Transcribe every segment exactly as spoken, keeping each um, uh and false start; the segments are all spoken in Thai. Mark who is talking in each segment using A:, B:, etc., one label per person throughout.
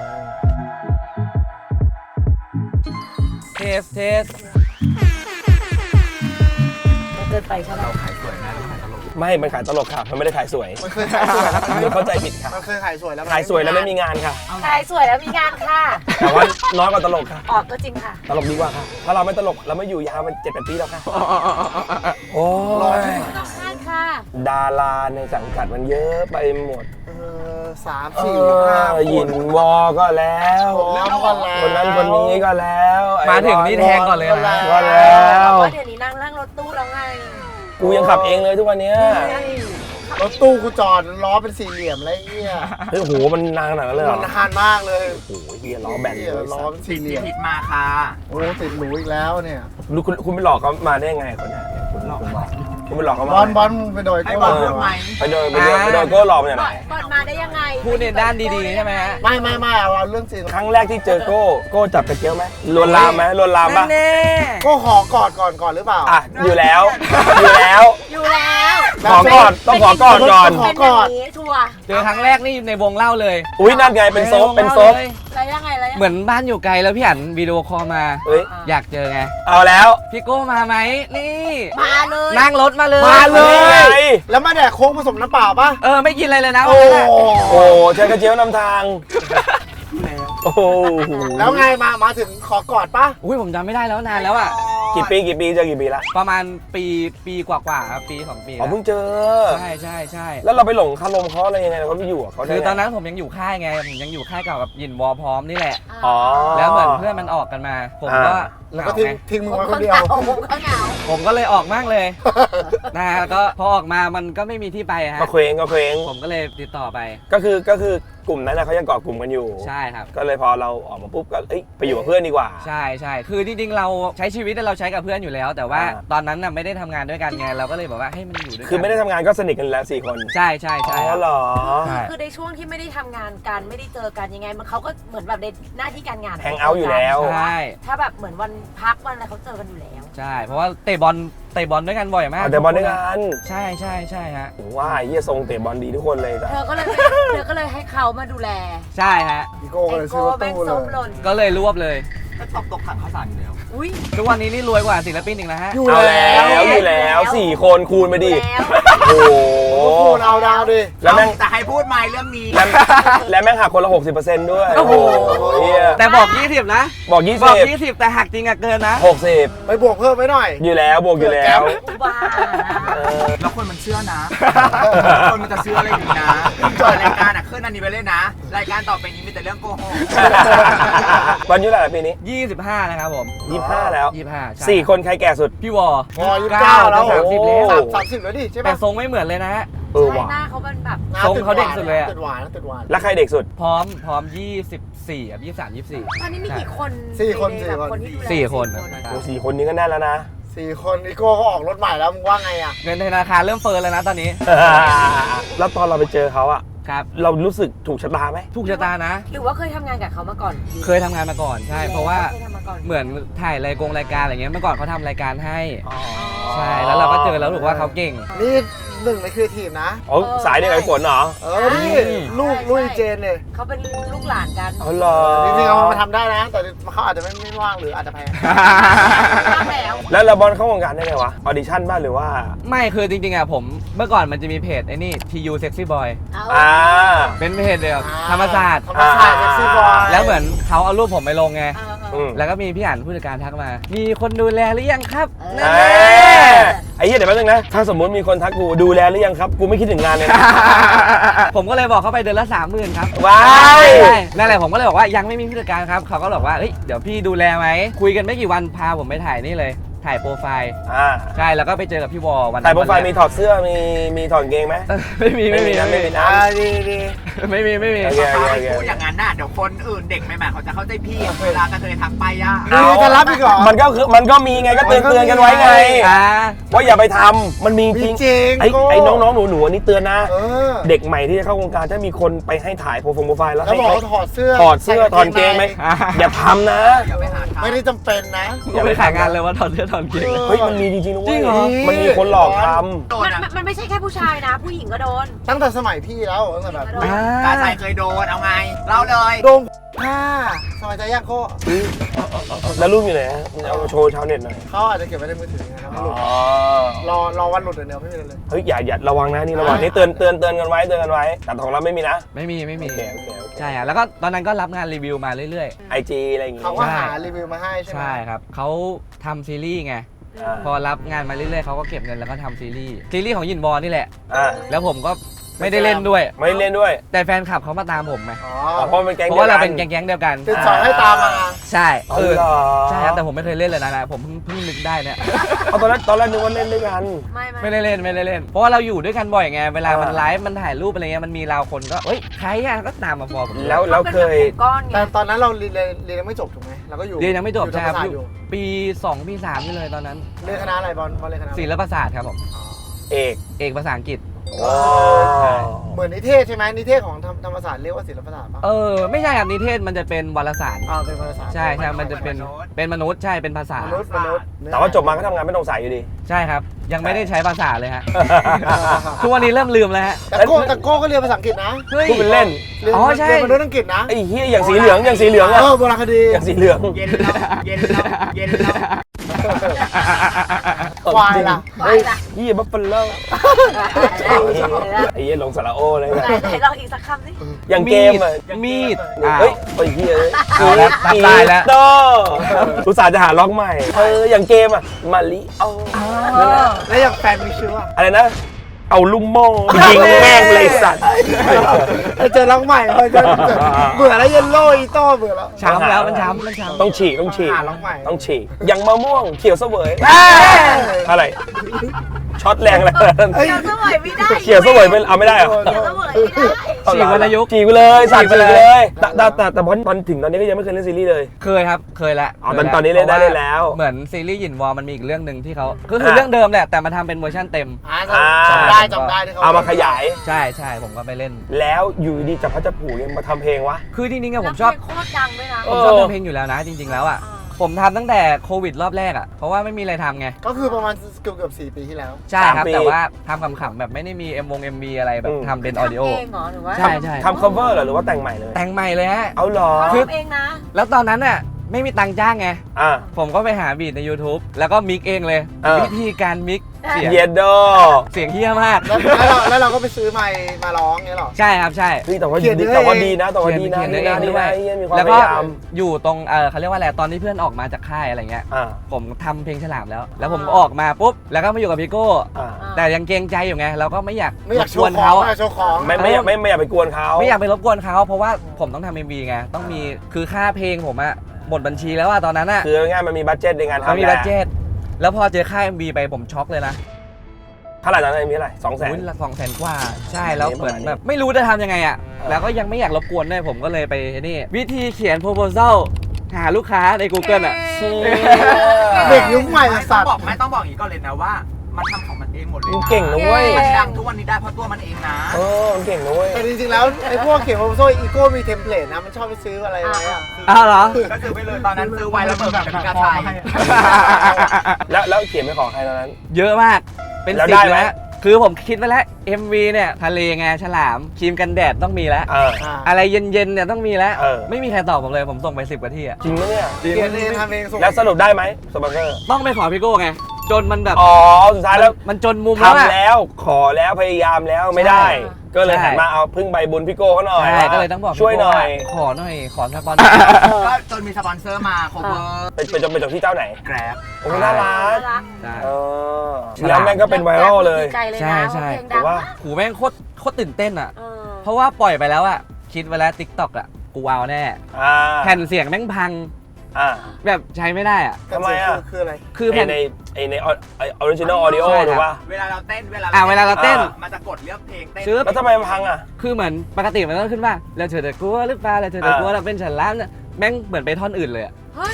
A: เทสเทส
B: เกินไปใช่ไหมเรา
C: ขายสวยนะขายตลก
D: ไม่มันขายตลกค่ะมันไม่ได้ขายสวย
C: มันเคยขายสวยแล้ว
D: มันเข้าใจผิดค่ะ
C: มันเคยขายสวยแล้ว
D: ขายสวยแล้วไม่มีงานค่ะ
B: ขายสวยแล้วมีงานค่ะ
D: แต่ว่าน้อยกว่าตลกค่ะ
B: ออกก็จริงค่ะ
D: ตลกดีกว่าค่ะถ้าเราไม่ตลกเราไม่อยู่ยาวมันเจ็ดแปดปีแล้วค่ะโอ้ย
B: ต้องคาดค่ะ
D: ดาราในสังกัดมันเยอะไปหมด
C: เออสามสี่ห้า
D: ยินวอก็แล้วคนนั้นคนนี้ก็แล้ว
A: มาถึงนี่แทงก่อนเลยนะ
D: ก็แล้ว
B: ว่าเดี๋ยวนี้นั่งนั่งรถตู้แล้วไง
D: กูยังขับเองเลยทุกวันนี้
C: รถตู้กูจอดล้อเป็นสี่เหลี่ยมอะไรเงี้ย
D: เฮ้ยโหมันนานขนาดนั้นเลยเหรอ
C: มันนานมากเลย
D: โอ้โหเฮียล้อแบนเลย
C: ล้อเป็นสี่เหลี่ยม
A: ผิดมาค่ะ
C: โอ้ติดหนูอีกแล้วเนี่ย
D: คุณคุณไปหลอกเขามาได้ไงคนนี้คุณหลอกคุณไปหลอกเขามา
C: บอลบอลไปโดยก็หลอก
D: ไปโดยไปโดยไปโดยก็หลอกมาจากไหน
B: บอลมาได้ยังไง
A: พูดในด้านดีๆใช่ไหมฮะ
C: ไม่ไม่ไม่เอาเรื่องจริง
D: ครั้งแรกที่เจอโก้โก้จับกระเจียวไหมลวนลามไหมลวนลามปะ
C: ก็ขอกอดก่อนก่อนหรือเปล่า
D: อ่ะอยู่แล้วอยู่แล้ว
B: อยู่แล้ว
D: ขอกอดต้องขอกอดก่อน
C: ขอกอด
B: ชัวร์
A: เจอครั้งแรกนี่ในวงเล่าเลย
D: อุ้ยนั่นไงเป็นโซฟเป็นโซฟ
B: อะไรยังไงอะไร
A: เหมือนบ้านอยู่ไกลแล้วพี่อั๋นวิดีโอคอลมา
D: เอ้ย
A: อยากเจอไง
D: เอาแล้ว
A: พี่โก้มาไหมนี่
B: มาเลย
A: นั่งรถมาเลย
D: มาเลย
C: แล้วมาแดกโค้งผสมน้ำเปล่าป่ะ
A: เออไม่กินอะไรเลยนะ
C: โอ้
D: โอ้ใช้กระเจียวนำทางโอ้
C: แล้วไงมามาถึงขอกอดป่ะ
A: อุ้ยผมจำไม่ได้แล้วนานแล้วอ่ะ
D: กี่ปีกี่ปีเจอกี่ปีละ
A: ประมาณปีปีกว่าๆครับปีสองปี
D: อ๋อเพิ่งเจอ
A: ใช่ใช่ใช่
D: แล้วเราไปหลงคารมเขาอะไรยังไงเราก็ไม่อยู่อ่ะเขา
A: คือตอนนั้นผมยังอยู่ค่ายไงผมยังอยู่ค่ายเก่ากับยินวอพร้อมนี่แหละ
D: อ๋อ
A: แล้วเหมือนเพื่อนมันออกกันมาผมก็
C: แล้วก็ทิ้งทิ้งมึงไว้คนเดียว
B: ผมก็เหงา
A: ผมก็เลยออกมากเลยนะแล้วก็พอออกมามันก็ไม่มีที่ไปฮะ
D: ก็เคว้งก็เคว้ง
A: ผมก็เลยติดต่อไป
D: ก็คือก็คือกลุ่มนั้นเขายังเกาะกลุ่มกันอยู่
A: ใช่ครับ
D: ก็เลยพอเราออกมาปุ๊บก็เอ้ยไปอยู่กับเพื่อนดีกว่า
A: ใช่ใช่คือจริงๆเราใช้ชีวิตเราใช้กับเพื่อนอยู่แล้วแต่ว่าตอนนั้นน่ะไม่ได้ทำงานด้วยกันไงเราก็เลยบอกว่าให้มันอยู่ด้วยกัน
D: คือไม่ได้ทำงานก็สนิทกันแล้วสี่คน
A: ใช่ใช่ใช่
D: อ๋อเหรอ
B: คือในช่วงที่ไม่ได้ทำงานกันไม่ได้เจอกันยังไงมันเขาก็เหมือนแบบในหน้าที่การงาน
D: แฮงเอาท์อยู่แล้ว
A: ใช่
B: ถ้าแบบเหมือนวันพักวันอะไรเขาเจอกันอยู่แล้ว
A: ใช่เพราะว่าเตะบอลเตะบอลด้วยกันบ่อยมาก
D: เตะบอลด้วยกัน
A: ใช่ใช่ใช่ฮะ
D: ว่าเฮียทรงเตะบอลดีทุกคนเลย
B: เธอก็เลยเธอก็เลยให้เขามาดูแล
A: ใช่ฮะ
C: พี่โก้เลยซื้อรถตู้เลย
A: ก็เลยรวบเลย
C: ก็ตกตกถังข้าวสารอยู่แล้ว
B: อุ้ย
A: ทุกวันนี้นี่รวยกว่าศิลปินอีกนะฮะ
D: อยู่แล้วอยู่แล้วสี่คนคูณไปดิโอ้โห
C: คูณเอาดาวดิ
A: แล้วแม่งแต่ให้พูดใหม่เรื่องนี้
D: และแม่งหักคนละ หกสิบเปอร์เซ็นต์ ด้วย
A: โอ้โหแต่บอกยี่สิบนะ
D: บอกยี่สิบ
A: บอกยี่สิบแต่หักจริงอะเกินนะ
D: หกสิบ
C: ไปบวกเพิ่มไว้หน่อย
D: อยู่แล้วบวกอยู่แล้ว
B: ว้า
A: แล้วคนมันเชื่อนะคนมันจะเชื่ออะไรอยู่นะเปิดรายการอะขึ้นอันนี้ไปเลยนะรายการต่อไปนี้มีแต่เรื่องโกหก
D: วันยุอะไรปีนี้
A: ยี่สิบห้านะครับผม
D: ยี่สิบห้าแล้ว
A: ยี่สิบห้า
D: สี่คนใครแก่สุด
A: พี่วอ
C: วอยี่สิบเก้าแล้ว
A: สามสิบแล้ว
C: สามสิบแล้วดิใช่ไหม
A: แต่ทรงไม่เหมือนเลยนะฮะ
D: เออว่ะ
B: หน้าเขาเป็นแบบ
A: ทรงเขาเด็กสุดเลยอะ
C: ติดหวานติดหวาน
D: แล้วใครเด็กสุด
A: พร้อมพร้อมยี่สิบสี่อ่ะยี่สิบสามยี่สิบสี่
B: ตอนนี้มีกี่คน
C: สี่คนสี่คน
A: สี่คน
D: โอ้สี่คนนี้ก็แน่แล้วนะ
C: สี่คนอีโก้ก็ออกรถใหม่แล้วมึงว่าไงอ่ะ
A: เงินธนาคารเริ่มเฟ้อแล้วนะตอนนี้
D: แล้วตอนเราไปเจอเขาอะ
A: ครับ
D: เรารู้สึกถูกชะตาไหม
A: ถูกชะตานะ
B: หรือว่าเคยทำงานกับเขามาก่อน
A: เคยทำงานมาก่อนใช่เพราะว่าเหมือนถ่ายรายกงรายการอะไรเงี้ยเมื่อก่อนเขาทำรายการให้ใช่แล้วเราก็เจอแล้วรู้ว่าเขาเก่ง
C: นี่หนึ่งในครีเอทีฟนะ
D: อ๋อสายเดียวกับฝนเหรอ
C: เออนี่ลูกลุยเจนเลย
B: เขาเป็นลูกหลานกัน
D: อ๋อเหรอ
C: จริงๆเขามาทำได้นะแต่เขาอาจจะไม่ไม่ว่างหรืออาจจะแพ้
D: แล้วเราบอลเข้าวงการได้ไงวะออดิชั่นบ้างหรือว่า
A: ไม่คือจริงๆอ่ะผมเมื่อก่อนมันจะมีเพจไอ้นี่ ที ยู Sexy Boy
D: อ่า
A: เป็นเพจเดียวธรรมศาสตร์
C: ธรรมศาสตร์ Sexy Boy
A: แล้วเหมือนเขาเอารูปผมไปลงไง
D: อืม
A: แล้วก็มีพี่อั๋นผู้จัดการทักมามีคนดูแลหรือยังครับ
D: ไอ้เหี้ยเดี๋ยวแป๊บนึงนะถ้าสมมติมีคนทักกูดูแลหรือยังครับกูไม่คิดถึงงานเลยนะ
A: ผมก็เลยบอกเขาไปเดือนละสามหมื่นครับ
D: ว้าย
A: นั่นแหละผมก็เลยบอกว่ายังไม่มีผู้จัดการครับเขาก็บอกว่าเฮ้ยเดี๋ยวพี่ดูแลไหมคุยกันไม่กี่วันพาผมไปถ่ายนี่เลยถ่ายโปรไฟล์
D: อ่า
A: ใช่แล้วก็ไปเจอกับพี่วอวัน
D: ถ่ายโปรไฟล์มีถอดเสื้อมีมีถอดเกงไหม
A: ไม่มีไม่มี
D: นะไม่มีนะ
C: ดีดี
A: ไม่มีไม่มี
D: พู
A: ดอย่างนั้นน่ะเดี๋ยวคนอื่นเด็กใหม่ๆเขาจะเข้าใจพี่เวลากระเทยทักไปย่า
C: นี่จะรับอีกเหรอ
D: มันก็คือมันก็มีไงก็เตือนเตือนกันไว้ไงว่าอย่าไปทำมันมีจริงไอ้ไอ้น้องๆหนูๆอันนี้เตือนนะเด็กใหม่ที่จะเข้าวงการถ้ามีคนไปให้ถ่ายโปรไฟล์แล้วให้
C: เขาถอดเสื้อ
D: ถอดเสื้อถอดเกงไหมอย่าทำนะ
C: ไม่ได้จำเป็นนะ
E: กูไปขายงานเลยว่าถอดเสื้อถอดเกง
D: เฮ้ยมันมีจริงๆนะเว้
E: จริ
D: ย
E: งเหรอ
D: มันมีคนหลอกท
A: โด
B: มัน น
A: อ่ะ
B: มันมันไม่ใช่แค่ผู้ชายนะ ผู้หญิงก็โดน
C: ตั้งแต่สมัยพี่แล้วตั้งแต่แบบ
B: โดน
A: กาชายเคยโดนเอาไงเล่าเลย
C: โดนผ้าสบายใจยากโค
D: ำแล้วรูปอยู่ไหนฮะเอามาโชว์ชาวเน็ตหน่อย
C: เขาอาจจะเก็บไว้ในมือถือนะครับหลุด
D: อ๋อ
C: รอรอวันหลุดเดี๋ยวไม่มีเลย
D: เฮ้ยอย่าอย่าระวังนะนี่ระวังนี่เตือนเตือนเตือนกันไว้เตือนกันไว้แต่ของเราไม่มีนะ
E: ไม่มีไม่มี
D: โอเคโอเคโอเค
E: ใช่อะแล้วก็ตอนนั้นก็รับงานรีวิวมาเรื่อย
D: ไอจีอะไรอย่างงี้
C: เขาก็หารีวิวมาให้ใช่
E: ๆ
C: ไหม
E: ใช่ครับเขาทำซีรีส์ไง
D: อ่า
E: พอรับงานมาเรื่อยๆเขาก็เก็บเงินแล้วก็ทำซีรีส์ซีรีส์ของยินวอนี่แหละ
D: อ่า
E: แล้วผมก็ไม่ได้เล่นด้วย
D: ไม่เล่นด้วย
E: แต่แฟนคลับเขามาตามผมไง
C: อ๋อ
D: อ๋อเพราะมันเป็นแก๊ง
E: เพ
D: ดียว
E: ราะว่าเรา
D: กั
E: เป็นแก๊งๆเดียวกัน
C: ติดสอยให้ตามมา
E: ใช่
D: อ๋อ
E: เออ
D: เหรอ
E: ใช่ครับแต่ผมไม่เคยเล่นเลยนะนะผมเพิ่งเพิ่งนึกได้เนี่ย
D: เอาตอนแรกตอนแรกนึกว่าเล่นด้วยกัน
B: ไม่
E: ไม่ได้เล่นไม่ได้เล่น เพราะว่าเราอยู่ด้วยกันบ่อยไงเวลามัน
D: อ่า
E: ไลฟ์มันถ่ายรูปอะไรเงี้ยมันมีเราคนก็เฮ้ยใครอ่ะก็ตามมาฟอลผม
D: แล้วแล้วเคย
B: ก้อนไง
C: แต่ตอนนั้นเราเรียนเรียนยังไม่จบถูกไหมเราก็อยู่
E: เรียนยังไม่จบ
C: อยู่
E: ใช่ครับ
C: ธรรมศาสต
E: อยู่
C: อยู่
E: ปีสองปีสามนี่เลยตอนนั้น
C: เรียนคณะอะไรบอลบอลเรียนคณะอะไร
E: ศิลปศาสตร์ครับผม
D: เอก
E: เอกภาษาอังกฤษ
D: อ๋อ
C: เหมือนนิเทศใช่ไหมนิเทศของธรรมธรรมศาสตร์เรียกว่าศิลปศาสตร์ปะ
E: เออไม่ใช่ครับนิเทศมันจะเป็นวารสาร
C: อ่าเป็นภาษา
E: ใช่ใช่มันจะเป็นเป็นมนุษย์ใช่เป็นภาษาม
C: นุษย์มนุษย์
D: แต่ว่าจบมาก็ทำงานไม่ตรงสายอยู่ดี
E: ใช่ครับ ยังไม่ได้ใช้ภาษาเลยฮะทุกวันนี้เริ่มลืมแล้วฮะ
C: แต่โก้แต่โก้ก็เรียนภาษาอังกฤษนะ
E: เฮ้ย
D: พูดเป็นเล่น
C: เรียน
E: อ๋อใช่
C: เรียนมนุษย์อังกฤษนะ
D: ไอ้เฮียอย่างสีเหลืองอย่างสีเหลืองอะ
C: เออโบราณคดี
D: อย่างสีเหลือง
A: เย็นแล้วเย็นแล้วเย็นแล้ว
C: ควายล่ะ
B: ไปละ
D: เฮียบัฟเฟลเลอร์ไอ้เฮียลงสาระโอเลย
B: ไหน
D: นะ
B: ไหนลองอีกสักคำสิ
D: อย่างเกมอะ
E: มีด
D: เฮ้ยไอ้เฮีย
E: เอาแล้วรับได้แล้ว
D: โตอุตส่าห์จะหาล็อกใหม่เอออย่างเกมอะมาริโอ
C: แล้วอย่างแฟนมีชื่อว่า
D: อะไรนะ เอาลุมโม่ยิงแม่งเลยสัตว์
C: เจอรักใหม่เลยเจอเบื่อแล้วเยลโล่อีโต้เบื่อแล้ว
E: ช้ำแล้วมันช้ำมันช้ำ
D: ต้องฉีกต้องฉีก
C: หาล็อกใหม่
D: ต้องฉีกอย่างมะม่วงเขียวเสวยอะไรช็อตแรงเลย
C: เฮ้ย
B: เขียวเสวยไม่ได้
D: เขียวเสวยเป็นเอาไม่ได้เหรอ
B: เขียวเสวยไม่ได้
E: ฉีกวรรณยุกต์
D: ฉีกไปเลยสั่ง
E: ฉี
D: ฉี
E: ก
D: ก
E: ไป
D: ไป
E: เลย
D: เลยแต่แต่แต่แต่พอตอนถึงตอนนี้ก็ยังไม่เคยเล่นซีรีส์เลย
E: เคยครับเคยแล้ว
D: อ๋อตอนตอนนี้เล่นได้เล่นแล้ว
E: เหมือนซีรีส์หยินวอลมันมีอีกเรื่องหนึ่งที่เขาก็คือเรื่องเดิมแหละแต่มาทำเป็นเวอร์ชันเต็ม
C: อ่าจำได้จำได้ที่เขา
D: เอามาขยาย
E: ใช่ใช่ผมก็ไปเล่น
D: แล้วอยู่ดีจับพัดจับผูยังมาทำเพลงวะ
E: คือจริงๆอะ
B: แล้
E: ผ
B: ว
E: มชอบ
B: เพลงโคตรดังด้วยนะ
D: เอ
E: ผมชอบทำเพลงอยู่แล้วนะจริง ๆแล้วอะ
B: อ่า
E: ผมทำตั้งแต่โควิดรอบแรกอะเพราะว่าไม่มีอะไรทำไง
C: ก็คือประมาณเกือบเกือบสี่ปีที่แล้ว
E: ใช่ครับ
D: สามปี
E: แต่ว่าทำขำๆแบบไม่ได้มี เอ็ม วง เอ็ม วี อะไรแบบทำเป็นออดิโอ
B: ทำเองเหรอหรือว่า
E: ใช่ใช่
D: ทำ cover เหรอหรือว่าแต่งใหม่เลย
E: แต่งใหม่เลยฮะ
D: เอาเหรอ
B: เขาทำเองนะ
E: แล้วตอนนั้นน่ะไม่มีตังค์จ้างไง
D: อ่ะ
E: ผมก็ไปหาบีทใน YouTube แล้วก็มิกเองเลย
D: เออ
E: วิธีการมิกเสียง
D: เยดโด
E: เสียงเฮี้ยมาก
C: แล้วแล้วเราแล้วเราก็ไปซื้อไมค์มาร้องเงี้ยหรอ
E: ใช่ครับใช่
D: เฮ้ยแต่ว่า
C: เขียน
D: ดี
C: ด้วย
D: แต่ว่าดีนะแต่ว่าดีนะ
E: เขียน
D: ดี
E: เอ
D: นะ
E: ง
D: ดี
E: ด้ว
D: นะ
E: ย
D: เหี้ยมีความ
E: แล้ว
D: พ
E: ก็
D: ยายาม
E: อยู่ตรงเออเขาเรียกว่าอะไรตอนที่เพื่อนออกมาจากค่ายอะไรเงี้ย
D: อ่า
E: ผมทำเพลงฉลามแล้ว แล้วผมก็ออกมาปุ๊บแล้วก็มาอยู่กับพี่โก้
D: อ่า
E: แต่ยังเกรงใจอยู่ไงเราก็ไม่อยาก
C: ไม่อยากโช
E: รบ
C: ว์
E: น
C: ของ
E: เขา
C: ไม่อยากโชว์ของ
D: ไม่ไม่อยากไม่ไม่อยากไปกวนเขา
E: ไม่อยากไปรบกวนเขาเพราะว่าผมต้องทำเอ็มวีไงต้องมีคือค่าเพลงผมอะหมดบัญชีแล้วอะตอนนั้นอะ
D: คือง่ายๆมันมีบัตเจ็ตในงานทำ
E: มันมี
D: แห
E: บั
D: ละ
E: ตเจ็ตแล้วพอเจอค่า เอ็ม วี ไปผมช็อกเลยนะ
D: เท่าไหร่ตอนนั้นมีเท่าไหร่สองแสน
E: อุ้ยละสองแสนกว่า ใช่แล้ว
D: ประ
E: เหมื
D: มา
E: อ
D: ณ
E: น
D: นี้
E: แบบไม่รู้จะทำยังไงอ่ะ
D: เออ
E: แล้วก็ยังไม่อยากรบกวนด้วยผมก็เลยไปนี่ วิธีเขียน proposal หาลูกค้าใน Google อ่ะ
C: เด็กยุคใหม่
A: ไม่
C: สั
A: ต้อง
C: ตว์
A: บอกไม่ต้องบอกอย่างนี้ก่อนเลยนะว่า มันทำของมันเองหมดเลย
D: มัน
A: นะ
D: เก่งนะเว้ย
A: มันดังทุกวันนี้ได้เพราะตัวมันเองนะ
D: เออมันเก่งนะเว้ย
C: แต่จริงๆแล้วไอ้พวกเขียนโปรโมชั่นอีโก้มีเทมเพลตนะมันชอบไปซื้ออะไรไว้อะ
E: อ้าวเหรอ
A: ก็ซื้อไปเลยตอนนั้นซื้อไว้แล้วเบิกกับพี่กาชัย
D: แล้วแล้วเขียนไปขอใครตอนนั้น
E: เยอะมาก เป็น
D: แล้ว
E: สิ
D: ได้
E: บ
D: ไหม
E: แล้วคือผมคิดไว้แล้ว เอ็ม วี เนี่ยทะเลไงฉลามครีมกันแดดต้องมีแล้ว
D: เออ
C: อ่า
E: อะไรเย็นๆเนี่ยต้องมีแล้ว
D: เออ
E: ไม่มีใครตอบผมเลยผมส่งไปสิบกว่าที่อ่ะ
D: จริงไหมเนี่ย
C: เขียนเองทำเองส่ง
D: แล้วสรุปได้ไหมสปอนเซอร์
E: ต้องไปขอพี่โก้ไงจนมันแบบ
D: อ๋อสุดท้ายแล้ว
E: มันจนมุมแล้วอะ
D: ทำแล้วขอแล้วพยายามแล้วไม่ได้ ก็เลยหันมาเอาพึ่งใบบุญพี่โก้เขาหน่อย
E: ใช่ก็เลยต้องบอก
D: ช่วยหน่อย
E: ขอหน่อยขอสปอน
A: ก็จนมีสปอนเซอร์มา cover
D: เป็นเป็นจบเป็นจบที่เจ้าไหน
A: แกร็บ
D: โอ้น่ารัก
B: น่ารัก
E: ใช่
D: เออแล้วแม่งก็เป็นไวรัลเลย
B: ดีใจเลย
E: ใช่
B: นะ
E: ใช่
B: เพลง
D: แต่
B: ดัง
D: ว่า
B: มาก
E: หูแม่งโคตรโคตรตื่นเต้นอ่ะ
B: เออ
E: เพราะว่าปล่อยไปแล้วอ่ะ คิดไว้แล้ว ติ๊กต็อก อ่ะ กูเอาแน่
D: อ่า
E: แผ่นเสียงแม่งพัง
D: อ่า
E: แบบใช้ไม่ได้อ่ะ
D: ทำไมอะ
C: คืออะไร
E: คือ
D: ไอ
E: แผ่น
D: ในไอในออริจินอลออดิโอ
E: ใช่ครับ
D: ถูกป่ะ
A: เวลาเราเต้นเวลา
E: อ่าเวลาเราเต้น
A: มันจะกดเลือกเพลงเต้น
E: ซื้อ
D: แล้วทำไมมันพังอ่ะ
E: คือเหมือนปกติมันต้องขึ้นว่าแล้วเธอจะกลัวหรือเปล่าแล้วเธอจะกลัว
D: อ่า
E: เราเป็นฉันล้านแม่งเหมือนไปท่อนอื่นเลยอะ
B: เฮ้ย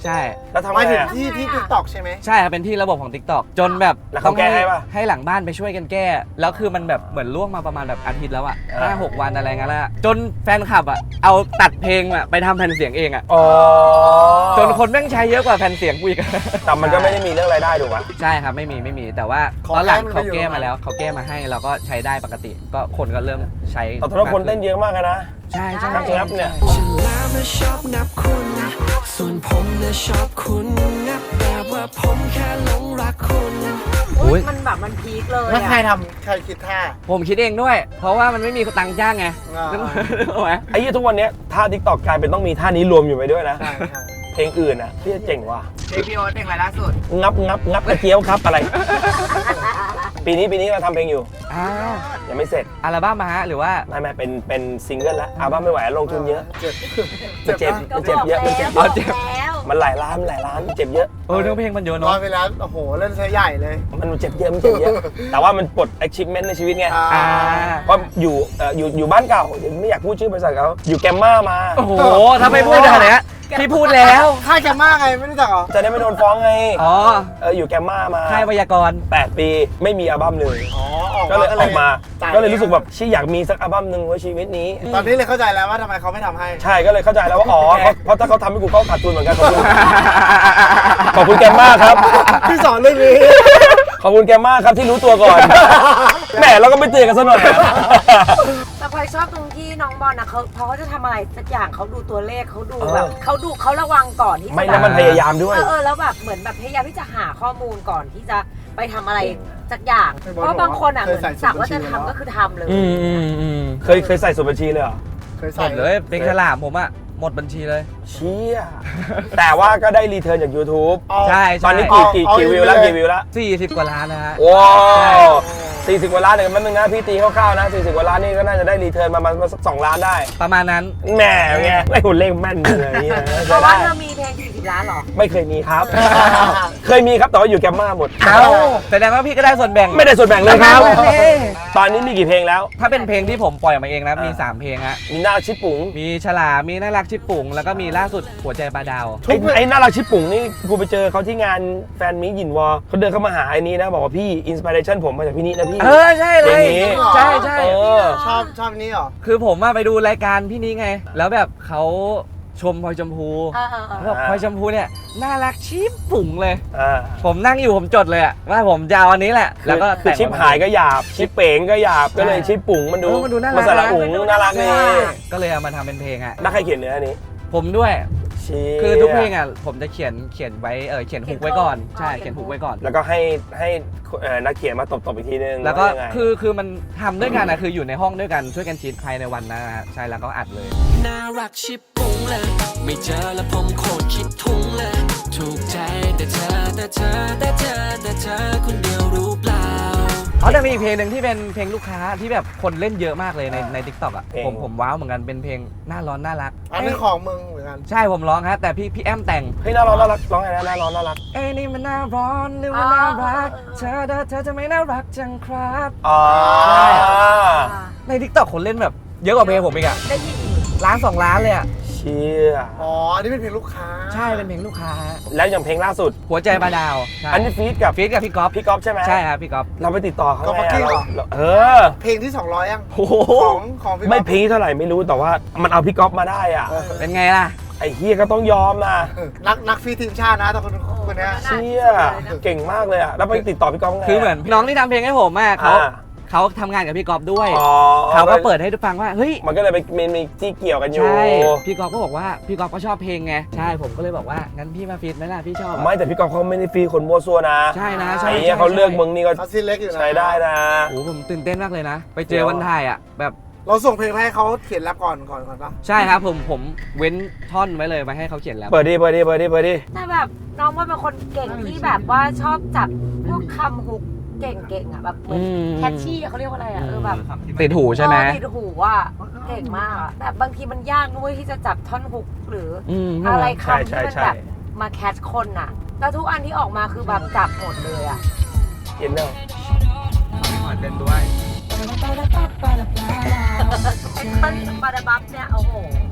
E: ใช่
D: แล้วทำไง
C: มาถึง
D: อะ
C: ที่ที่ติ๊กต็อกใช่ไหม
E: ใช่ครับเป็นที่ระบบของ TikTok จนแบบ
D: แล้วเขาแก้ให้ปะ
E: ให้หลังบ้านไปช่วยกันแก้ แล้วคือมันแบบเหมือนล่วงมาประมาณแบบอาทิตย์แล้วอะห้าหกวันอะไรเงี้ยแล้วอะจนแฟนคลับอะเอาตัดเพลงอะไปทำแผ่นเสียงเองอะ
D: อ๋อ
E: จนคนแม่งใช้เยอะกว่าแผ่นเสียงกูอีก
D: แต่มันก็ไม่ได้มีเรื่องรายได้ถูกปะ
E: ใช่ครับไม่มีไม่มีแต่ว่า
C: ขอ
E: ตอนหลัง
C: แก้มัน
E: เขา
C: ไปอยู่
E: แก้มาแล้วเขาแก้มาให้เราก็ใช้ได้ปกติ ก็คนก็เริ่มใช้
D: แต่ตอนนั้นคนเต้นเยอะมากเลยนะ
E: ใช่ใช่
D: นับงับเนี่ย
F: ฉันแล้วนะชอบนับคุณ ส่วนผมนะชอบคุณนับแบบว่าผมแค่หลงรักคุณ
B: อุ๊ยมันแบบมันพีคเลย
C: แล้วใคร
B: อะ
C: ทำใครคิดท่า
E: ผมคิดเองด้วย เพราะว่ามันไม่มีตังค์จ้างไง
C: อ่า
E: นึกออกไหม
D: ไอ้ยี่ทุกวันเนี้ยท่าทิกตอกกลายเป็นต้องมีท่านี้รวมอยู่ไปด้วยนะ
C: ใช่ใช่
D: เพลงอื่นอ่ะพี่เจ๋งว่ะ
A: เพลงพี่โอ๊ตเพลงอะไรล่าสุด
D: งับงับงับกระเจียวครับอะไร ปีนี้ปีนี้เราทำเพลงอยู่
E: อ่า
D: ยังไม่เสร็จ
E: อัลบั้มมาฮะหรือว่า
D: ไม่ไม่เป็นเป็นซิงเกิลแล้วอัลบั้มไม่ไหวลงทุนเยอะ
C: เจ็บ
D: มันเจ็บ
B: ก็
D: มัน
B: บ
D: เจ็บอก เยอะมันเจ็บ
B: แล้ว
D: เยอะ
B: บอกแล้ว
D: มันหลายล้านมันหลายล้านเจ็บเยอะ
E: เออเนื้อเพลงมันเยอะ
C: รอ
E: เนาะ
C: ไปแล้วโอ้โหเล่นซะใหญ่เลย
D: มันเจ็บเยอะมันเจ็บเยอะ แต่ว่ามันปลด achievement ในชีวิตไง
C: อ่า
D: เพราะอยู่เอ่ออยู่อยู่บ้านเก่าไม่อยากพูดชื่อบริษัทเขาอยู่แกมมามา
E: โอ้โหถ้าไม่พูดขนาดเนี้ยพี่พูดแล้ว
C: ค่ายแกมากไงไม่รู้จักเหรอ
D: จะได้ไม่โดนฟ้องไง
E: อ๋อ
D: เอออยู่แกมมามา
E: ค่ายไวยากรณ์
D: แปดปีไม่มีอัลบั้มเลย
C: อ๋อออก
D: ก็เลยออกมา
C: จ่
D: ก็เลยรู้สึกแบบชี่อยากมีสักอัลบั้มหนึ่งไว้ชีวิตนี้
C: ตอนนี้เลยเข้าใจแล้วว่าทำไมเขาไม่ทำให้
D: ใช่ก็เลยเข้าใจแล้วว่าอ๋อเพราะเพราะถ้าเขาทำให้กูเขาขาดทุนเหมือนกันขอบคุณ ขอบคุณแกมมากครับ
C: ที่สอนเรื่องนี้
D: ขอบคุณแกมมากครับที่รู้ตัวก่อนแหมเราก็ไม่เตือนกันซะหน่อย
B: แต่พลอยชอบตรงที่น้องบอลนะเขาพอเขาจะทำอะไรสักอย่างเขาดูตัวเลขเขาดู
D: เออ
B: แบบเขาดูเขาระวังก่อนที่จะ
D: ไม่
B: แบ
D: แล้ว
B: บ
D: มันพยายามด้วย
B: เออเออแล้วแบบเหมือนแบบพยายามที่จะหาข้อมูลก่อนที่จะไปทำอะไรสักอย่าง
C: ไม่
B: เพ
C: บอก
B: ราะบางคนอ่ะ
C: เค
B: เหมื
C: ย
B: อน
C: ใส่
B: สั่งว่า
C: สู
B: จะ
C: ตรบัญชี
B: ทำ
C: แล้ว
B: ก็คือทำเลย
E: อืมอืมอืม
D: เคยเคยใส่สูตรบัญชีเลยเหรอ
C: เคย
E: หม
C: ใส่
E: ดเลยเพลงฉลามผมอะหมดบัญชีเลย
D: เชี่ยแต่ว่าก็ได้รีเทิร์นจาก YouTube
C: เอา
E: ใช่
D: ตอนนี้
C: เอา
D: กี่กี่
C: เอา
D: กี่วิวแล้ว
C: เอา
D: กี่วิวแล้ว
E: สี่สิบกว่าล้านนะฮะ
D: ว้าวสี่สิบกว่าล้านเดี๋ยวแป๊บนึงนะพี่ตีคร่าวๆนะสี่สิบกว่าล้านนี่ก็น่าจะได้รีเทิร์นประมาณสักสองล้านได้
E: ประมาณนั้น
D: แหมไงไอ้หุ่นเลขแม่นเลยเนี่ย
B: เพราะว่าเธอมีเพลงสี่สิบล้านเหรอ
D: ไม่เคยมีครับ เคยมีครับแต่ว่าอยู่แกมมาหมด
E: เอ้าแสดงว่าพี่ก็ได้ส่วนแบ่ง
D: ไม่ได้ส่วนแบ่งเลยครับ
E: เอ้ย
D: ตอนนี้มีกี่เพลงแล้ว
E: ถ้าเป็นเพลงที่ผมปล่อยออกมาเองนะ มี
D: อ่า
E: สามเพลงฮะ
D: มีน่ารักชิปปุ๋ง
E: มีฉลามมีน่ารักชิปปุ๋ง แล้วก็มีล่าสุดหัวใจปลาดาว
D: ไอ้ไอ้น่ารักชิปปุ๋งนี่กูไปเจอเขาที่งานแฟนมิตรหยินวอเขาเดินเข้ามาหาไอ้นี้นะบอกว่าพี่อินสปิเรชันผมมาจากพี่นินะพี่
E: เออ ใช่เลย
D: อย่างนี้
E: ใช่ใช่
D: เออ
C: ชอบชอบนี้เหรอ
E: คือผมมาไปดูรายการพี่นี้ไง แล้วแบบเขาชมพลอยชมพู
B: เออเออเออ
E: แล้วบอกพลอยชมพูเนี่ยน่ารักชิปปุ๋งเลย
D: อ่า
E: ผมนั่งอยู่ผมจดเลยอะว่าผมจะเอาอันนี้แหละ แล้วก็
D: คือ
E: แต่ง
D: ชิปหายก็หยาบ ชิปเป๋งก็หยาบ ก็เลยชิปปุ๋งมันดู
E: เออมันดูน่ารัก
D: สระอุ๋งน่ารักนี่
E: ก็เลยเอามาทำเป็นเพลงอะ
D: นักใครเขียนเนื้ออันนี้
E: ผมด้วย
D: เชี่ย
E: คือทุกเพลงอ่ะผมจะเขียนเขียนไว้เออเขียนฮุกไว้ก่อนใช่เขียนฮุกไว้ก่อน
D: แล้วก็ให้ให้เอ่อนักเขียนมาตบๆอีกทีนึง
E: แล้วก็
D: ายังไง
E: คือคือมันทำด้วยกันนะคืออยู่ในห้องด้วยกันช่วยกันคิดภายในวันนั้นนะฮะใช่แล้วก็อัดเลย
F: น่ารักชิบปุ้งเลย ไม่เจอแล้วผมโคตรคิดทุ้งเลย ถูกใจแต่เธอแต่เธอแต่เธอแต่เธอคนเดียวรู้เปล่า
E: เขาจะมีอีกเพลงหนึ่งที่เป็นเพลงลูกค้าที่แบบคนเล่นเยอะมากเลยในในทิกตอกอ่ะผมผมว้าวเหมือนกันเป็นเพลงหน้าร้อนน่ารัก
C: อันนี้ของมึงเหมือนกัน
E: ใช่ผมร้องฮะแต่พี่พี่แอมแต่ง
D: เฮ้ยน่าร้อนน่ารักร้องไงนะน่าร้อนน่ารัก
E: เอ้ยนี่มันน่าร้อนหรือว่าน่ารักเธอเธอเธอจะไม่น่ารักจังครับ
D: อ๋อ
E: ในทิกตอกคนเล่นแบบเยอะกว่าเพลงผมอีกอะ
B: ได้ยิน
E: ล้านสองล้านเลยอะ
D: เชี่ย
C: อ๋อ อันนี้เป็นเพลงลูกค้า
E: ใช่เป็นเพลงลูกค้า
D: แล้วอย่างเพลงล่าสุด
E: หัวใจปลาดาวใช่
D: อันนี้ฟีดกับ
E: ฟีดกับพี่ก๊อฟ
D: พี่ก๊อฟใช่ไหม
E: ใช่ครับพี่ก๊อฟ
D: เราไปติดต่อเขา
C: ก๊อฟ
D: ไง
C: ฟักกิ้งเหรอ
D: เราเออ
C: เพลงที่สองร้อยยัง
E: โอ้โห
C: ของของพี่
D: ไม่
C: ก๊อฟ
D: พีคเท่าไหร่ไม่รู้แต่ว่ามันเอาพี่ก๊อฟมาได้อ่ะ
C: เออ
E: เป็นไงล่ะ
D: ไอ้เฮียก็ต้องยอมนะ
C: นักนักฟีทีมชาตินะแต่คนคนเนี้ย
D: เชี่ยเก่งมากเลยอ่ะแล้วไปติดต่อพี่ก๊อฟไง
E: คือเหมือนน้องที่ทำเพลงให้ผมอะเขา
D: อ่า
E: เขาทำงานกับพี่ก๊อฟด้วย
D: อ๋อ
E: เขาก็เปิดให้ทุกฟังว่าเฮ้ย
D: มันก็เลยไปมีมีที่เกี่ยวกันอยู่
E: ใช่พี่ก๊อฟก็บอกว่าพี่ก๊อฟก็ชอบเพลงไงใช่ผมก็เลยบอกว่างั้นพี่มาฟีดไหมล่ะพี่ชอบอะ
D: ไม่แต่พี่ก๊อฟเขาไม่ได้ฟรีคนมั่วซั่วนะ
E: ใช่นะใช่
D: ไอ้
E: ใช่
D: เหี้ยเขาเลือกมึงนี่ก็
C: เขาซีเล็กอยู่นะ
D: ใช้ได้นะ
E: โอ้โหผมตื่นเต้นมากเลยนะ ไปเจอวันถ่ายอะแบบ
C: เราส่งเพลงไปให้เขาเขียนแรปก่อนก่อนก่อนปะ
E: ใช่ครับผมผมเว้นท่อนไว้เลยมาให้เขาเขียนแล้ว
D: เปิดดิเปิดดิเปิดดิเปิดดิ
B: แต่แบบน้องว่าเป็นคนเก่งที่แบบว่าชอบจับพวกคำฮุกเก่งๆอ่ะแบบเหมือน
E: อืม
B: แคชชี่เขาเรียกว่าอะไรอ่ะเออแบบ
E: ติดหูใช่ไหม
B: เออติดหูอ่ะเก่งมากอะแต่บางทีมันยากด้วยที่จะจับท่อนฮุกหรือ
E: อืม
B: อะไร
D: ใช่
B: คำ
D: ใช่
B: ที่มัน
D: ใช่
B: แบบมาแคชคนอ่ะแล้วทุกอันที่ออกมาคือแบบจับหมดเลยอ่ะ
D: เห็นเนอะ
E: เล่นด้วย
B: ไอ้ท่อนปาดาบัฟเนี่ยโอ้โห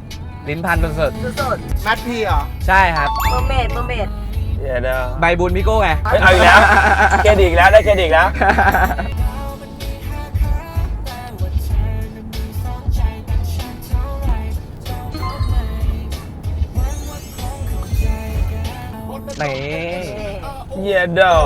E: ลิ้นพันสุด
B: สุด
C: แมทพีเหรอ
E: ๆใช่ครับ
B: ๆเมอร์เมดเมอร์เมด
D: เดี๋ยวนะ
E: ใบบุญพี่โก้ไง
D: เฮ้ยเอาอีกแล้วเครดิตอีกแล้วได้เครดิตอีกแล้ว
E: ไหน
D: เยเดอ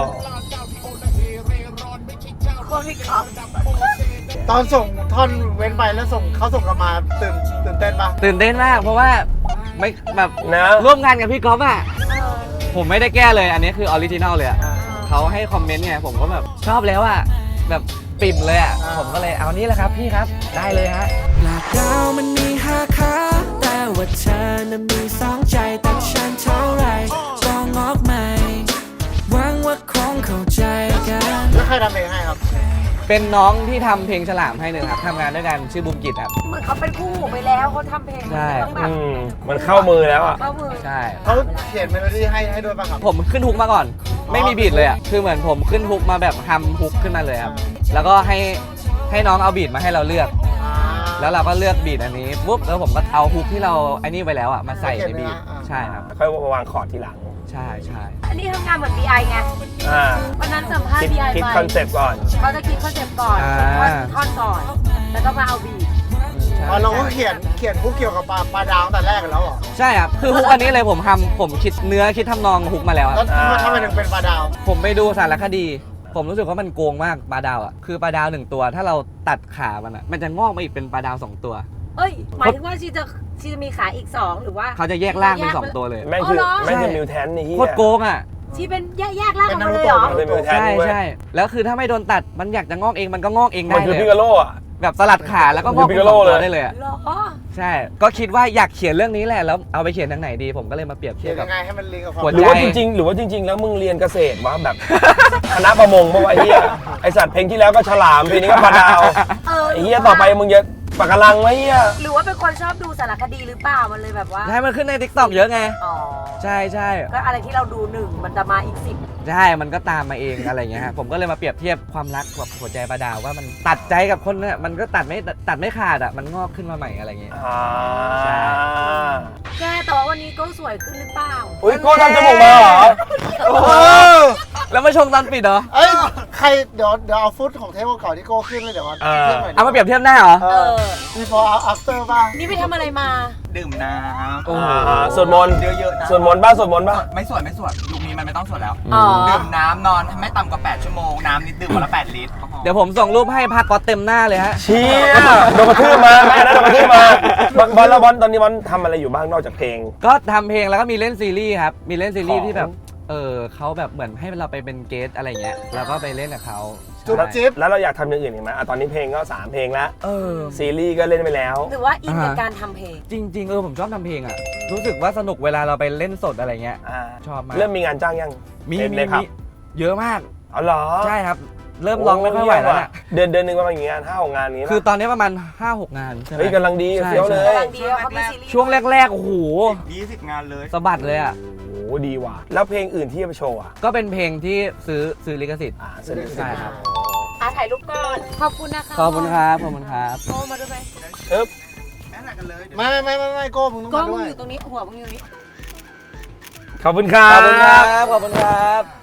B: โคตรพี่ก๊อฟ
C: ตอนส่งท่อนเว้นไปแล้วส่งเขาส่งกลับมาตื่นตื่นเต้นปะ
E: ตื่นเต้นมากเพราะว่าไม่แบบ
D: นะ
E: ร่วมงานกับพี่ก๊อฟอ่ะ
B: เออ
E: ผมไม่ได้แก้เลย อันนี้คือออริจินัลเลยอะเขาให้คอมเมนต์ไงผมก็แบบชอบแล้วอ่ะแบบปิ่มเลยอ่ะผมก็เลยเอานี่แหละครับพี่ครับได้เลยฮะ
F: ปลาดาวมันมีห้าขาแต่ว่าเธอนั้นมีสองใจแต่ฉันเท่าไรก็งอกใหม่หวังว่าคงเข้าใจกัน
C: แล้วใครทำเพลงให้ครับ
E: เป็นน้องที่ทำเพลงฉลามให้หนึ่งครับทำงานด้วยกันชื่อบูมกิจครับ
B: เหมือนเขาเป็นคู่หูไปแล้วเขาทำเพลง
E: ใช่
B: ต้องแบบ
D: อืมมันเข้ามือแล้วอ่ะ
B: เข้ามือ
E: ใช่
C: เขาเขียนเมโลดี้ให้ให้ด้วยป่ะครับ
E: ผมขึ้นฮุกมาก่อน ไม่มีบีทเลยอ่ะคือเหมือนผมขึ้นฮุกมาแบบฮัมฮุกขึ้นมาเลยครับแล้วก็ให้ให้น้องเอาบีทมาให้เราเลือก
C: อ่า
E: แล้วเราก็เลือกบีทอันนี้ปุ๊บแล้วผมก็เอาฮุกที่เราไอ้นี่ไว้แล้วอ่ะมาใส่ในบีท
C: อ่า
E: ใช่ครับ
D: ค่อยวางคอร์ดทีหลัง
E: ใช่ใช่
B: อันนี้ทำงานเหมือน บี ไอ ไง
D: อ่า
B: วันนั้นสัมภาษ
D: คิด
B: ณ์ บี ไอ
D: คิด
B: ไป
D: คอนเซปต์ก่อน
B: เขาจะคิดคอนเซ็ปต์ก่อนคิดท่อนก่อน แล้วก็มาเอาบีท
E: ใช่
C: อ๋อเราก็เขียนเขียนพวกเกี่ยวกับปลาปลาดาวตั้งแต่แรกกันแล้วเหรอ
E: ใช่ครับคือฮุกอันนี้เลยผมทำผมคิดเนื้อคิดทำนองฮุกมาแล้วอะ
C: แล้วทำไมทำไมถึงเป็นปลาดาว
E: ผมไปดูสารคดี ผมรู้สึกว่ามันโกงมากปลาดาวอ่ะคือปลาดาวหนึ่งตัว ถ้าเราตัดขามันอ่ะมันจะงอกมาอีกเป็นปลาดาวสองตัว
B: เอ้ย หมายถึงว่าชีจะชีจะมีขาอีกสองหรือว่า
E: เขาจะแยกร่างเป็นสองตัวเลย
D: แม่งคือ
B: อ๋อเหรอ
D: แม่งคือมิวแทนนี่เฮีย
E: โคตรโกงอ่ะ
B: ชีเป็นแยกแยกร่างออกมาเลยเหรอ
D: เป็นมิวแทน
E: ใช่
D: เว้ย
E: ใช่แล้วคือถ้าไม่โดนตัดมันอยากจะงอกเองมันก็งอกเอง
D: มั
E: ได้
D: นคือ
E: เล
D: พิ
E: ย
D: กาโลอ่ะ
E: แบบสลัดขาแล้วก็งอกเป็น
D: มันคือ
E: สอง
D: Piccolo
E: ตัว
D: เลย
E: ได้เลยอ่ะ
B: เหรอ
E: ใช่ ก็คิดว่าอยากเขียนเรื่องนี้แหละแล้วเอาไปเขียนทางไหนดี ผมก็เลยมาเปรียบเที
C: เขี
E: ย
C: ย
E: บ
C: น
E: กั
C: ยั
E: บ
C: งไงให้มันลิงก์กับความ
E: หัว
D: ห
E: ใจ
D: รือว่าจริงๆ หรือว่าจริง ๆ แล้วมึงเรียนเกษตรวะแบบ คณะประมงเมื่อวานเฮียไอสัตว์เพลงที่แล้วก็ฉลามปีนี้ก็ปลาดาว
B: เออ
D: ไอเฮียต่อไปมึงจะปากกาลังไว้เฮีย
B: หรือว่าเป็นคนชอบดูสารคดีหรือเปล่า มันเลยแบบว่า
E: ใช่มันขึ้นในทิกตอกเยอะไง
B: อ๋อ
E: ใช่ใช่
B: ก็อะไรที่เราดูหนึ่งมันจะมาอีกสิบ
E: ใช่ มันก็ตามมาเองอะไรเงี้ยฮะ ผมก็เลยมาเปรียบเทียบความรักกับหัวใจปลาดาวว่ามันตัดใจกับคนเนี่ยมันก็ตัดไม่ตัดไม่ขาดอ่ะ มันงอกขึ้นมาใหม่อะไรเงี้ย
D: อ่า
E: ใช่
B: แกแต่ว่าวันนี้ก็สวยขึ้นหรือเปล่า
D: อุ้ยโก้ทำจมูกมาเหรอ
C: โอ้โห
E: แล้วมาชงตอนปิดเหรอ
C: เอ้ยใครเดี๋ยวเดี๋ยวเอาฟุตของเทปเก่าๆที่โก้ขึ้นเลยเดี๋ยวมา
D: เออ
C: ทียบหน่อยดิ
E: เอามาเปรียบเทียบหน้าเหรอ
C: เอ
B: เอ
C: อ
B: อ
C: before after ป่ะ
B: นี่ไปทำอะไรมา
A: ดื่มน้ำ
E: โอ้โห
D: อ่าสวดมนต์
A: เยอะๆนะ
D: สวดมนต์บ้างสวดมนต์บ้าง
A: ไม่สวดไม่สวดยุคนี้มันไม่ต้องสวดแล้ว
B: อ๋อ
A: ดื่มน้ำนอนไม่ต่ำกว่า แปด ชั่วโมง น้ำนิดดื่มวันละ แปด ลิตร
E: เดี๋ยวผมส่งรูปให้ภาคก๊อตเต็มหน้าเลยฮะ
D: เชี่ยโดนกระทืบมาแม่นะโดนกระทืบมาบอลบอลแล้วบอลตอนนี้บอลทำอะไรอยู่บ้างนอกจากเพลง
E: ก็ทำเพลงแล้วก็มีเล่นซีรีส์ครับ มีเล่นซีรีส์
D: ของ
E: ที่แบบ เออเขาแบบเหมือนให้เราไปเป็นเกสอะไรเงี้ย แล้วก็ไปเล่นกับเขา
C: จุ๊บ
E: ใช่
C: จิ๊บ
D: แล้วเราอยากทำอย่างอื่นอีกไหมอ่ะตอนนี้เพลงก็สามเพลงแล้ว
E: เออ
D: ซีรีส์ก็เล่นไปแล้ว
B: หรือว่าอินกับ
E: อ่า
B: การทำเพลง
E: จริง ๆ เออผมชอบทำเพลงอ่ะ รู้สึกว่าสนุกเวลาเราไปเล่นสดอะไรเงี้ย
D: อ่า
E: ชอบมาก
D: เริ่มมีงานจ้างยัง
E: มี
D: ใน
E: มี
D: ในผับ
E: มีเยอะมาก
D: อ๋อเหรอ
E: ใช่ครับ เริ่มร้องไม่ค่อยไหวแล้วเนี่ย
D: เดือนเดือนหนึ่งประมาณกี่งานห้าหกงานนี้
E: คือตอนนี้ประมาณ ห้าหก งานใช่ไหม
D: เฮ้ยกำลังดี
E: ใช่
D: เฟี้ยวเลย
B: กำลังดีแล้วเขามีซีรีส์
E: ช่วงแรก ๆ โอ้โห
A: ยี่สิบ งานเลย
E: สะบัดเลยอ่ะ
D: โอ้โหดีว่ะแล้วเพลงอื่นที่จะไปโชว์อ่ะ
E: ก็เป็นเพลงที่ซื้อซื้อลิขสิทธิ์
D: อ่าเสร็จ
E: ใช่ครับ
B: อ่ะถ่ายรูปก่อน ขอบคุณนะคะ
E: ขอบคุณครับ ขอบคุณครับ
B: โก้มาด้วยไหม
D: เอ๊บ
A: แม่ไหนกันเลยเดี๋ยว
C: ไม่ไม่ไม่ไม่โก้มึงต้อง
B: โก้
C: มา
B: มึ
C: ด้
B: ง
C: วย
B: อยู่ตรงนี้ หัวมึงอยู่นี่
D: ขอบคุณครั
E: ข
D: บ
E: อบคุณครับ ขอบคุณครับ